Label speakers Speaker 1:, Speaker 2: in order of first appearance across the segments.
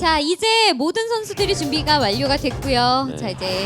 Speaker 1: 자, 이제 모든 선수들이 준비가 완료가 됐고요.
Speaker 2: 네.
Speaker 1: 자, 이제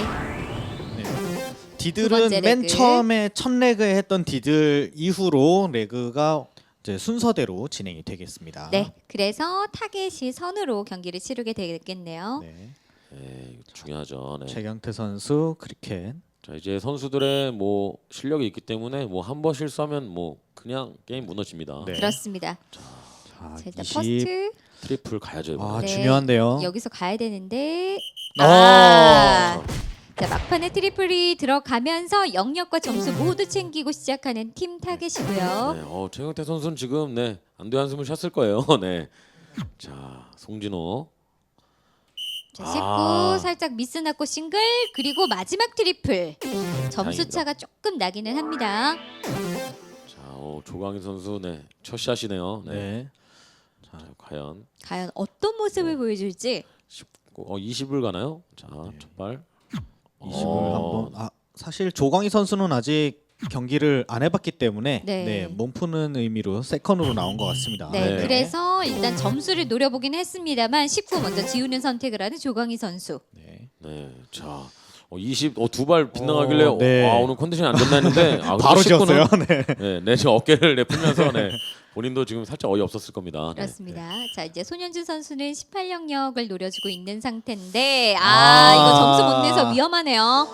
Speaker 1: 두
Speaker 3: 디들은
Speaker 1: 번째
Speaker 3: 맨
Speaker 1: 레그.
Speaker 3: 처음에 첫 레그에 했던 디들 이후로 레그가 이제 순서대로 진행이 되겠습니다.
Speaker 1: 네, 그래서 타겟이 선으로 경기를 치르게 되겠네요.
Speaker 3: 네.
Speaker 2: 네, 이거 중요하죠. 네.
Speaker 3: 최경태 선수 크리켓.
Speaker 2: 자, 이제 선수들의 뭐 실력이 있기 때문에 뭐 한 번 실수하면 뭐 그냥 게임 무너집니다.
Speaker 3: 네.
Speaker 1: 그렇습니다.
Speaker 3: 자,
Speaker 1: 자, 일단
Speaker 3: 20.
Speaker 1: 퍼스트
Speaker 2: 트리플 가야죠. 이번에.
Speaker 3: 아,
Speaker 1: 네.
Speaker 3: 중요한데요.
Speaker 1: 여기서 가야 되는데
Speaker 3: 어.
Speaker 1: 자, 막판에 트리플이 들어가면서 영역과 점수 모두 챙기고 시작하는 팀 타겟이고요.
Speaker 2: 네, 최경태 선수는 지금 네 안돼 한숨을 쉬었을 거예요. 네. 자, 송진호.
Speaker 1: 자, 19
Speaker 2: 아.
Speaker 1: 살짝 미스 났고 싱글 그리고 마지막 트리플 점수 차가 조금 나기는 합니다.
Speaker 2: 자, 조광희 선수 첫 샷이네요. 네.
Speaker 3: 네.
Speaker 2: 자, 과연
Speaker 1: 과연 어떤 모습을 보여줄지.
Speaker 2: 20을 가나요? 자, 첫 발.
Speaker 3: 20을 한번. 사실 조광희 선수는 아직 경기를 안 해봤기 때문에
Speaker 1: 네.
Speaker 3: 몸 푸는 의미로 세컨으로 나온 것 같습니다.
Speaker 1: 네,
Speaker 2: 네.
Speaker 1: 그래서 일단 점수를 노려보긴 했습니다.만 19 먼저 지우는 선택을 하는 조광희 선수.
Speaker 3: 네.
Speaker 2: 네. 자, 20 두 발 빗나가길래
Speaker 3: 네.
Speaker 2: 오늘 컨디션이 안 된다 했는데
Speaker 3: 바로 지었어요.
Speaker 2: 네, 지금 어깨를 내풀면서 본인도 지금 살짝 어이없었을 겁니다. 네.
Speaker 1: 그렇습니다. 자, 이제 손현준 선수는 18 영역을 노려주고 있는 상태인데
Speaker 3: 아.
Speaker 1: 이거 점수 못 내서 위험하네요.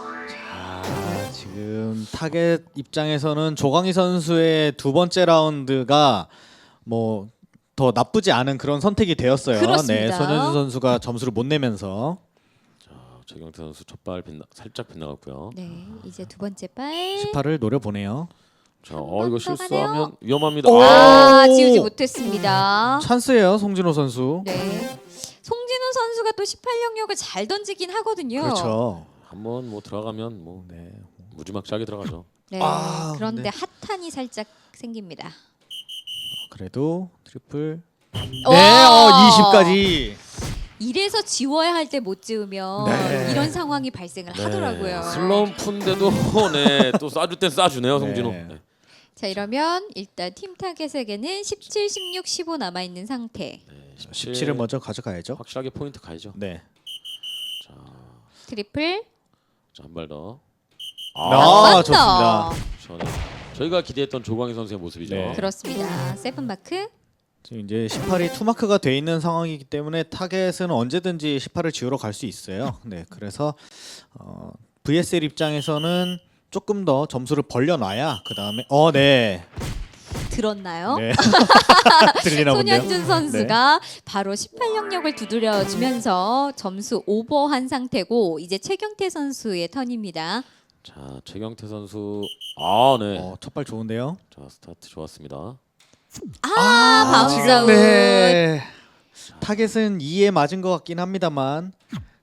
Speaker 3: 지금 타겟 입장에서는 조광희 선수의 두 번째 라운드가 뭐 더 나쁘지 않은 그런 선택이 되었어요.
Speaker 1: 그렇습니다.
Speaker 3: 네, 손현준 선수가 점수를 못 내면서
Speaker 2: 최경태 선수 첫 발 살짝 빗나갔고요.
Speaker 1: 네, 이제 두 번째 발.
Speaker 3: 18을 노려보네요.
Speaker 2: 자,
Speaker 1: 번
Speaker 2: 이거
Speaker 1: 더
Speaker 2: 실수하면
Speaker 1: 가네요.
Speaker 2: 위험합니다.
Speaker 3: 오.
Speaker 1: 지우지 못했습니다.
Speaker 3: 찬스예요, 송진호 선수.
Speaker 1: 네, 송진우 선수가 또 18 영역을 잘 던지긴 하거든요.
Speaker 3: 그렇죠.
Speaker 2: 한번 뭐 들어가면 뭐
Speaker 3: 네.
Speaker 2: 무지막지하게 들어가죠.
Speaker 1: 네,
Speaker 3: 아,
Speaker 1: 그런데
Speaker 3: 네.
Speaker 1: 핫한이 살짝 생깁니다.
Speaker 3: 그래도 트리플. 네,
Speaker 1: 와!
Speaker 3: 20까지.
Speaker 1: 이래서 지워야 할 때 못 지우면
Speaker 3: 네.
Speaker 1: 이런 상황이 발생을 하더라고요.
Speaker 2: 슬럼프인데도 또 쏴줄 땐 쏴주네요, 송진호.
Speaker 3: 네.
Speaker 2: 네.
Speaker 1: 자, 이러면 일단 팀 타겟에게는 17, 16, 15 남아 있는 상태.
Speaker 3: 17을 먼저 가져가야죠.
Speaker 2: 확실하게 포인트 가야죠.
Speaker 3: 네.
Speaker 2: 자,
Speaker 1: 트리플.
Speaker 2: 한 발 더.
Speaker 1: 한
Speaker 3: 좋습니다.
Speaker 2: 저희가 기대했던 조광희 선수의 모습이죠.
Speaker 3: 네.
Speaker 1: 그렇습니다. 세븐 마크.
Speaker 3: 지금 이제 18이 투마크가 돼 있는 상황이기 때문에 타겟은 언제든지 18을 지우러 갈 수 있어요. 네, 그래서 VSL 입장에서는 조금 더 점수를 벌려놔야 그 다음에 네,
Speaker 1: 들었나요?
Speaker 3: 네. 들리나 본데요.
Speaker 1: 손현준 선수가 바로 18 영역을 두드려주면서 점수 오버한 상태고 이제 최경태 선수의 턴입니다.
Speaker 2: 자, 최경태 선수 네.
Speaker 3: 첫발 좋은데요.
Speaker 2: 자, 스타트 좋았습니다.
Speaker 1: 바운스
Speaker 3: 지금
Speaker 1: 아웃.
Speaker 3: 네. 타겟은 2에 맞은 것 같긴 합니다만.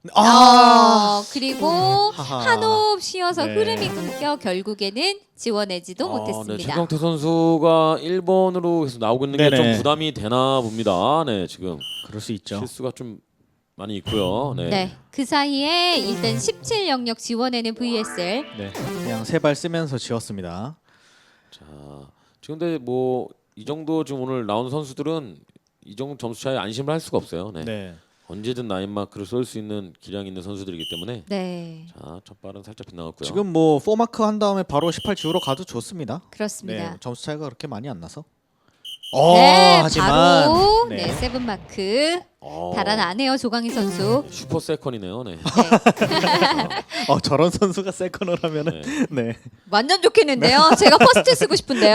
Speaker 1: 그리고
Speaker 3: 하하.
Speaker 1: 한 호흡 쉬어서
Speaker 3: 네.
Speaker 1: 흐름이 끊겨 결국에는 지원하지도
Speaker 2: 네,
Speaker 1: 못했습니다.
Speaker 2: 최경태 선수가 1번으로 계속 나오고 있는 게 좀
Speaker 3: 네네.
Speaker 2: 부담이 되나 봅니다. 네, 지금
Speaker 3: 그럴 수 있죠.
Speaker 2: 실수가 좀 많이 있고요. 네.
Speaker 1: 네, 그 사이에 일단 17 영역 지원에는 VSL.
Speaker 3: 네, 그냥 세 발 쓰면서 지웠습니다.
Speaker 2: 자, 지금 근데 뭐 이 정도 지금 오늘 나온 선수들은 이 정도 점수 차에 안심을 할 수가 없어요. 네.
Speaker 3: 네.
Speaker 2: 언제든 나인 마크를 쏠 수 있는 기량 있는 선수들이기 때문에
Speaker 1: 네,
Speaker 2: 자, 첫 발은 살짝 빗나갔고요.
Speaker 3: 지금 뭐 4마크 한 다음에 바로 18 지우러 가도 좋습니다.
Speaker 1: 그렇습니다.
Speaker 3: 네, 점수 차이가 그렇게 많이 안 나서.
Speaker 1: 네,
Speaker 3: 하지만
Speaker 1: 바로
Speaker 3: 네.
Speaker 1: 네, 세븐 마크 달아나네요 조광희 선수.
Speaker 2: 슈퍼 세컨이네요. 네.
Speaker 3: 저런 선수가 세컨을 하면은 네.
Speaker 1: 완전 좋겠는데요. 제가 퍼스트 쓰고 싶은데요.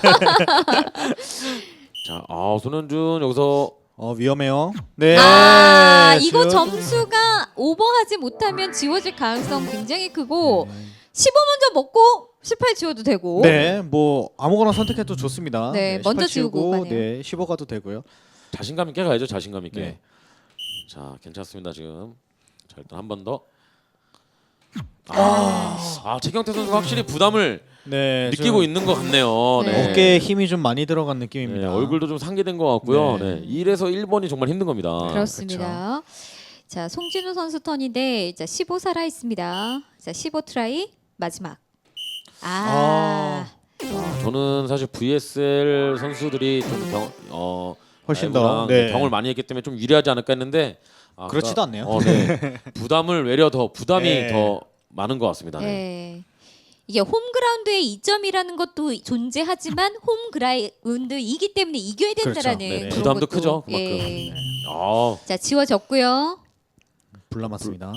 Speaker 2: 자, 손현준 여기서
Speaker 3: 위험해요. 네.
Speaker 1: 이거
Speaker 3: 지금-
Speaker 1: 점수가 오버하지 못하면 지워질 가능성 굉장히 크고 15 먼저 먹고 18 지워도 되고.
Speaker 3: 네, 뭐 아무거나 선택해도 좋습니다.
Speaker 1: 네, 먼저
Speaker 3: 18
Speaker 1: 지우고 가네요.
Speaker 3: 네, 15 가도 되고요.
Speaker 2: 자신감 있게 가야죠. 자신감 있게.
Speaker 3: 네.
Speaker 2: 자, 괜찮습니다. 지금. 자, 일단 한 번 더. 최경태 선수가 확실히 부담을
Speaker 3: 네,
Speaker 2: 느끼고
Speaker 3: 좀
Speaker 2: 있는 것 같네요.
Speaker 1: 네.
Speaker 2: 네.
Speaker 3: 어깨에 힘이 좀 많이 들어간
Speaker 2: 네,
Speaker 3: 느낌입니다.
Speaker 2: 얼굴도 좀 상기된 것 같고요.
Speaker 3: 네.
Speaker 2: 네. 1에서 1번이 정말 힘든 겁니다.
Speaker 1: 그렇습니다. 자, 송진우 선수 턴인데 자, 15 살아 있습니다. 자, 15 트라이 마지막.
Speaker 2: 저는 사실 VSL 선수들이 좀
Speaker 3: 훨씬
Speaker 2: 라이브랑
Speaker 3: 더 네.
Speaker 2: 경험을 많이 했기 때문에 좀 유리하지 않을까 했는데
Speaker 3: 그렇지도 않네요.
Speaker 2: 네. 부담을 외려 더 부담이
Speaker 3: 네.
Speaker 2: 더 많은 것 같습니다. 네.
Speaker 1: 네. 이게 홈그라운드의 이점이라는 것도 존재하지만 홈그라운드이기 때문에 이겨야 된다라는
Speaker 3: 그렇죠. 네네.
Speaker 1: 그런
Speaker 2: 부담도
Speaker 1: 것도,
Speaker 2: 크죠, 그만큼.
Speaker 1: 예.
Speaker 2: 아,
Speaker 1: 자, 지워졌고요.
Speaker 3: 불 남았습니다.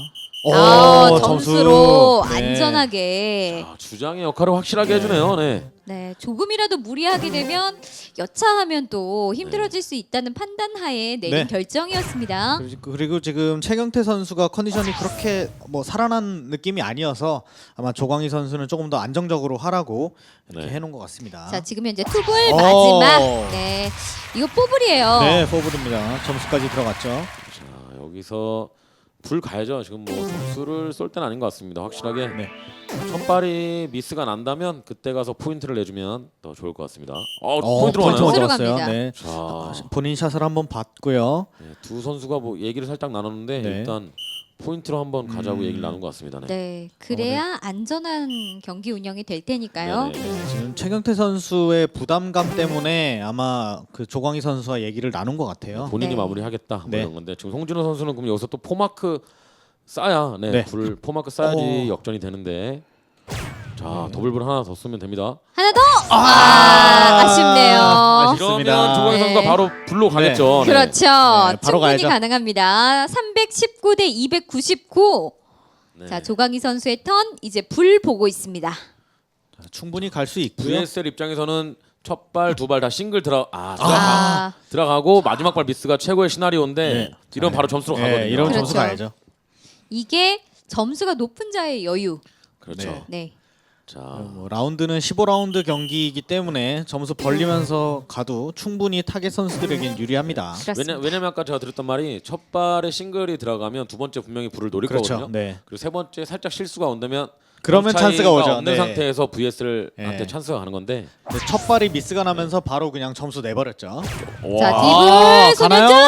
Speaker 1: 점수로
Speaker 3: 네.
Speaker 1: 안전하게.
Speaker 2: 주장의 역할을 확실하게 해주네요. 네.
Speaker 1: 네, 조금이라도 무리하게 되면 여차하면 또 힘들어질 수 있다는 판단하에 내린
Speaker 3: 네.
Speaker 1: 결정이었습니다.
Speaker 3: 그리고 지금 최경태 선수가 컨디션이 그렇게 뭐 살아난 느낌이 아니어서 아마 조광희 선수는 조금 더 안정적으로 하라고 이렇게
Speaker 2: 네.
Speaker 3: 해놓은 것 같습니다.
Speaker 1: 자, 지금 현재 투볼 마지막.
Speaker 3: 오.
Speaker 1: 네, 이거 뽀블이에요.
Speaker 3: 네, 포브입니다. 점수까지 들어갔죠.
Speaker 2: 자, 여기서 불 가야죠. 지금 뭐 점수를 쏠 때는 아닌 것 같습니다. 확실하게
Speaker 3: 네.
Speaker 2: 첫 발이 미스가 난다면 그때 가서 포인트를 내주면 더 좋을 것 같습니다.
Speaker 3: 포인트
Speaker 2: 포인트로 가나요?
Speaker 3: 먼저
Speaker 1: 들어갑니다.
Speaker 3: 들어갔어요. 네.
Speaker 2: 자,
Speaker 3: 본인 샷을 한번 봤고요.
Speaker 2: 네, 두 선수가 뭐 얘기를 살짝 나눴는데
Speaker 3: 네.
Speaker 2: 일단 포인트로 한번 가자고 얘기를 나눈 것 같습니다. 네.
Speaker 1: 네, 그래야 안전한 경기 운영이 될 테니까요.
Speaker 2: 네네.
Speaker 3: 네, 지금 최경태 선수의 부담감 때문에 아마 그 조광희 선수와 얘기를 나눈 것 같아요.
Speaker 2: 본인이
Speaker 1: 네.
Speaker 2: 마무리하겠다 뭐
Speaker 3: 네.
Speaker 2: 이런 건데 지금 송진호 선수는 그럼 여기서 또 포마크 쌓야
Speaker 3: 네.
Speaker 2: 불 포마크 쌓야지
Speaker 3: 오.
Speaker 2: 역전이 되는데 자 더블불 하나 더 쓰면 됩니다.
Speaker 1: 하나 더. 아쉽네요.
Speaker 3: 아쉽습니다.
Speaker 2: 이러면 조광희
Speaker 1: 네.
Speaker 2: 선수가 바로 불로 가겠죠. 네.
Speaker 1: 그렇죠.
Speaker 3: 네, 바로
Speaker 1: 충분히
Speaker 3: 가야죠.
Speaker 1: 가능합니다. 319 대 299.
Speaker 2: 네.
Speaker 1: 자, 조광희 선수의 턴 이제 불 보고 있습니다.
Speaker 3: 자, 충분히 갈 수 있고요.
Speaker 2: VSL 입장에서는 첫 발, 두 발 다 싱글 들어가고 마지막 발 미스가 최고의 시나리오인데
Speaker 3: 네.
Speaker 2: 이런 바로 점수로 가거든요.
Speaker 3: 네, 이런
Speaker 1: 그렇죠.
Speaker 3: 점수 가야죠.
Speaker 1: 이게 점수가 높은 자의 여유.
Speaker 2: 그렇죠.
Speaker 3: 네.
Speaker 1: 네.
Speaker 2: 자,
Speaker 3: 뭐 라운드는 15라운드 경기이기 때문에 점수 벌리면서 가도 충분히 타겟 선수들에겐 유리합니다.
Speaker 1: 그렇습니다.
Speaker 2: 왜냐면 아까 제가 드렸던 말이 첫 발에 싱글이 들어가면 두 번째 분명히 불을 노릴
Speaker 3: 그렇죠.
Speaker 2: 거거든요.
Speaker 3: 네.
Speaker 2: 그리고 세 번째 살짝 실수가 온다면
Speaker 3: 그러면
Speaker 2: 점 차이가
Speaker 3: 찬스가 오죠.
Speaker 2: 없는
Speaker 3: 네.
Speaker 2: 상태에서 VSL한테
Speaker 3: 네.
Speaker 2: 찬스가 가는 건데.
Speaker 3: 근데 첫 발이 미스가 나면서 바로 그냥 점수 내버렸죠.
Speaker 1: 자,
Speaker 2: 와.
Speaker 1: 디블
Speaker 3: 가나요?
Speaker 1: 소녀전.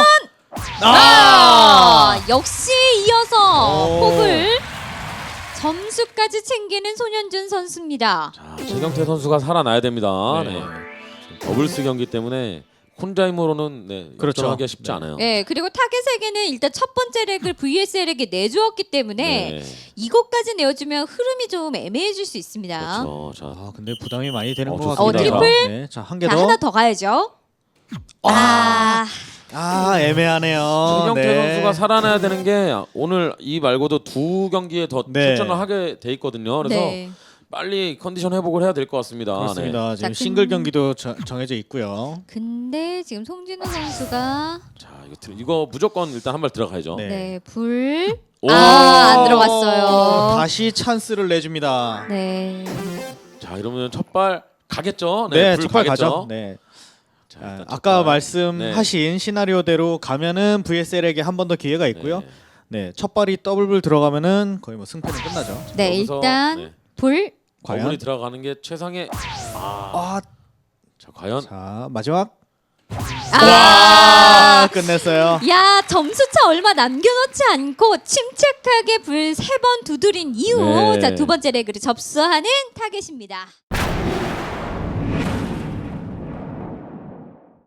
Speaker 1: 역시 이어서
Speaker 3: 오.
Speaker 1: 폭을 점수까지 챙기는 손현준 선수입니다.
Speaker 2: 자, 최경태 선수가 살아나야 됩니다.
Speaker 3: 네.
Speaker 2: 네. 더블스 경기 때문에 혼자 힘으로는
Speaker 3: 그렇죠.
Speaker 2: 역전하기가 쉽지
Speaker 3: 네.
Speaker 2: 않아요.
Speaker 1: 네, 그리고 타겟에게는 일단 첫 번째 렉을 VSL에게 내주었기 때문에
Speaker 2: 네.
Speaker 1: 이것까지 내어주면 흐름이 좀 애매해질 수 있습니다.
Speaker 2: 그렇죠. 자,
Speaker 3: 아, 근데 부담이 많이 되는 것
Speaker 2: 좋습니다.
Speaker 3: 같습니다.
Speaker 1: 트리플?
Speaker 3: 네, 자, 한 개
Speaker 1: 자,
Speaker 3: 더.
Speaker 1: 하나 더 가야죠.
Speaker 3: 애매하네요.
Speaker 2: 최경태
Speaker 3: 네.
Speaker 2: 선수가 살아나야 되는 게 오늘 이 말고도 두 경기에 더
Speaker 3: 네.
Speaker 2: 출전을 하게 돼 있거든요. 그래서
Speaker 1: 네.
Speaker 2: 빨리 컨디션 회복을 해야 될 것 같습니다.
Speaker 3: 그렇습니다. 지금
Speaker 1: 자,
Speaker 3: 싱글 경기도 정해져 있고요.
Speaker 1: 근데 지금 송진우 선수가
Speaker 2: 자, 이거 무조건 일단 한 발 들어가야죠.
Speaker 3: 네.
Speaker 1: 네, 불.
Speaker 2: 오!
Speaker 1: 안 들어갔어요.
Speaker 3: 다시 찬스를 내줍니다.
Speaker 1: 네.
Speaker 2: 자, 이러면 첫 발 가겠죠?
Speaker 3: 네,
Speaker 2: 불
Speaker 3: 첫발
Speaker 2: 가겠죠?
Speaker 3: 가죠. 네.
Speaker 2: 자, 일단 첫
Speaker 3: 아까
Speaker 2: 발.
Speaker 3: 말씀하신 시나리오대로 가면은 VSL에게 한 번 더 기회가 있고요.
Speaker 2: 네.
Speaker 3: 네, 첫 발이 더블불 들어가면은 거의 뭐 승패는 끝나죠.
Speaker 1: 네,
Speaker 2: 여기서,
Speaker 1: 일단
Speaker 2: 네.
Speaker 1: 불.
Speaker 3: 과연?
Speaker 2: 더블이 들어가는 게 최상의. 자, 과연
Speaker 3: 자, 마지막 끝냈어요.
Speaker 1: 야, 점수차 얼마 남겨놓지 않고 침착하게 불 3번 두드린 이후
Speaker 2: 네.
Speaker 1: 자, 두 번째 레그를 접수하는 타겟입니다.